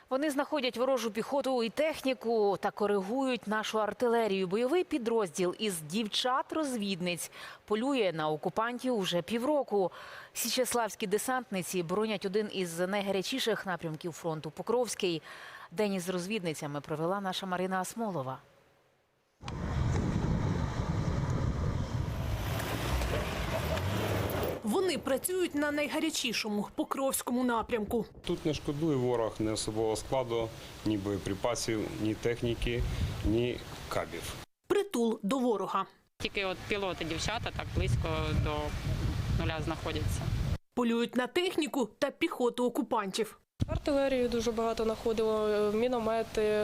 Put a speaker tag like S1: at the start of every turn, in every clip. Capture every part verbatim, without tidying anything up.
S1: Вони знаходять ворожу піхоту і техніку та коригують нашу артилерію. Бойовий підрозділ із дівчат-розвідниць полює на окупантів уже півроку. Січеславські десантниці боронять один із найгарячіших напрямків фронту – Покровський. День із розвідницями провела наша Марина Асмолова.
S2: Вони працюють на найгарячішому – Покровському напрямку.
S3: Тут не шкодує ворог ні особового складу, ні боєприпасів, ні техніки, ні кабів.
S2: Притул до ворога.
S4: Тільки от пілоти, дівчата так близько до нуля знаходяться.
S2: Полюють на техніку та піхоту окупантів.
S5: Артилерію дуже багато знаходило, міномети,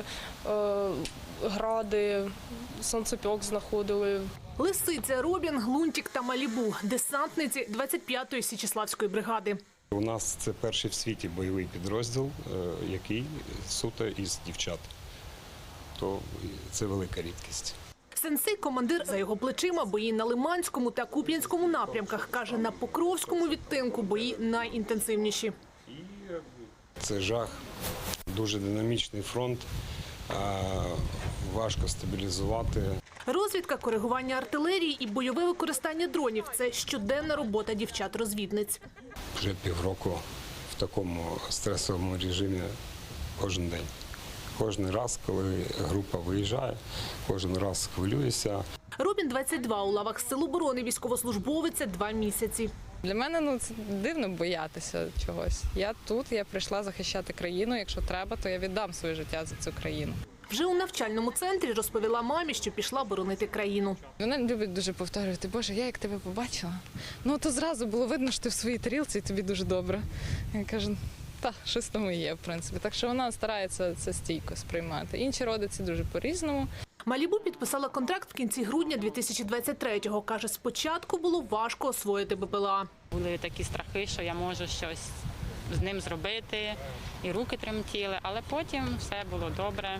S5: гради, сонцепьок знаходили.
S2: Лисиця, Робін, Глунтик та Малібу – десантниці двадцять п'ятої Січеславської бригади.
S3: У нас це перший в світі бойовий підрозділ, який суто із дівчат. То це велика рідкість.
S2: Сенсей – командир, за його плечима бої на Лиманському та Куп'янському напрямках. Каже, на Покровському відтинку бої найінтенсивніші.
S3: Це жах, дуже динамічний фронт, важко стабілізувати.
S2: Розвідка, коригування артилерії і бойове використання дронів – це щоденна робота дівчат-розвідниць.
S3: Вже півроку в такому стресовому режимі кожен день. Кожен раз, коли група виїжджає, кожен раз хвилююся.
S2: Робін двадцять два, у лавах Сил оборони, військовослужбовиця два місяці.
S6: Для мене ну, це дивно боятися чогось. Я тут, я прийшла захищати країну. Якщо треба, то я віддам своє життя за цю країну.
S2: Вже у навчальному центрі розповіла мамі, що пішла боронити країну.
S6: Вона любить дуже повторювати: Боже, я як тебе побачила, ну то зразу було видно, що ти в своїй тарілці і тобі дуже добре. Я кажу, та, щось тому і є, в принципі. Так що вона старається це стійко сприймати. Інші родиці дуже по-різному.
S2: Малібу підписала контракт в кінці грудня дві тисячі двадцять третього. Каже, спочатку було важко освоїти БПЛА.
S4: Були такі страхи, що я можу щось з ним зробити, і руки тремтіли, але потім все було добре.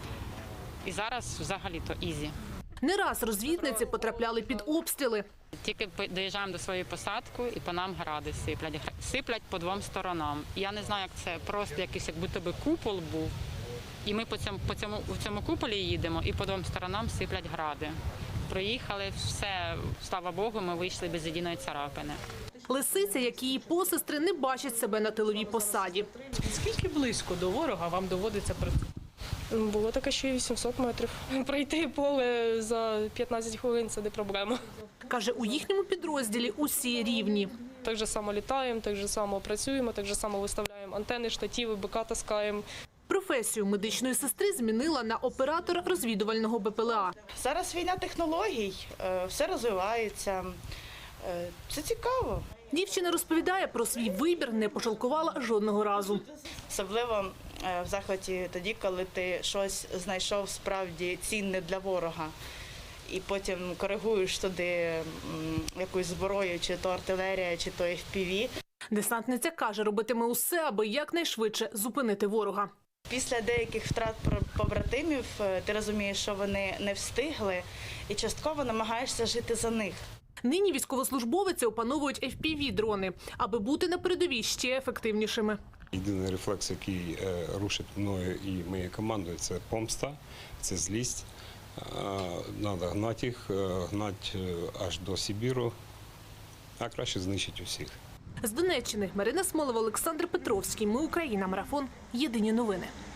S4: І зараз взагалі-то ізі.
S2: Не раз розвідниці потрапляли під обстріли.
S4: Тільки доїжджаємо до своєї посадки і по нам гради сиплять. Сиплять по двом сторонам. Я не знаю, як це, просто якийсь як будто би купол був. І ми по цьому, по цьому, в цьому куполі їдемо і по двом сторонам сиплять гради. Проїхали, все, слава Богу, ми вийшли без єдиної царапини.
S2: Лисиця, як і її посестри, не бачать себе на тиловій посаді.
S7: Скільки близько до ворога вам доводиться працювати?
S5: Було таке, що і вісімсот метрів. Пройти поле за п'ятнадцять хвилин – це не проблема.
S2: Каже, у їхньому підрозділі усі рівні.
S5: Так же само літаємо, так же само працюємо, так же само виставляємо антени, штативи, БК таскаємо.
S2: Професію медичної сестри змінила на оператор розвідувального БПЛА.
S8: Зараз війна технологій, все розвивається, це цікаво.
S2: Дівчина розповідає про свій вибір, не пожалкувала жодного разу.
S8: Особливо в захваті тоді, коли ти щось знайшов справді цінне для ворога. І потім коригуєш туди якусь зброю, чи то артилерія, чи то еф пі ві.
S2: Десантниця каже, робитиме усе, аби якнайшвидше зупинити ворога.
S8: Після деяких втрат побратимів ти розумієш, що вони не встигли, і частково намагаєшся жити за них.
S2: Нині військовослужбовиці опановують еф пі ві-дрони, аби бути на передовій ще ефективнішими.
S3: Єдиний рефлекс, який рушить мною і моєю командою, це помста, це злість. Треба гнати їх, гнати аж до Сибіру, а краще знищити усіх.
S2: З Донеччини Марина Асмолова, Олександр Петровський. Ми Україна. Марафон. Єдині новини.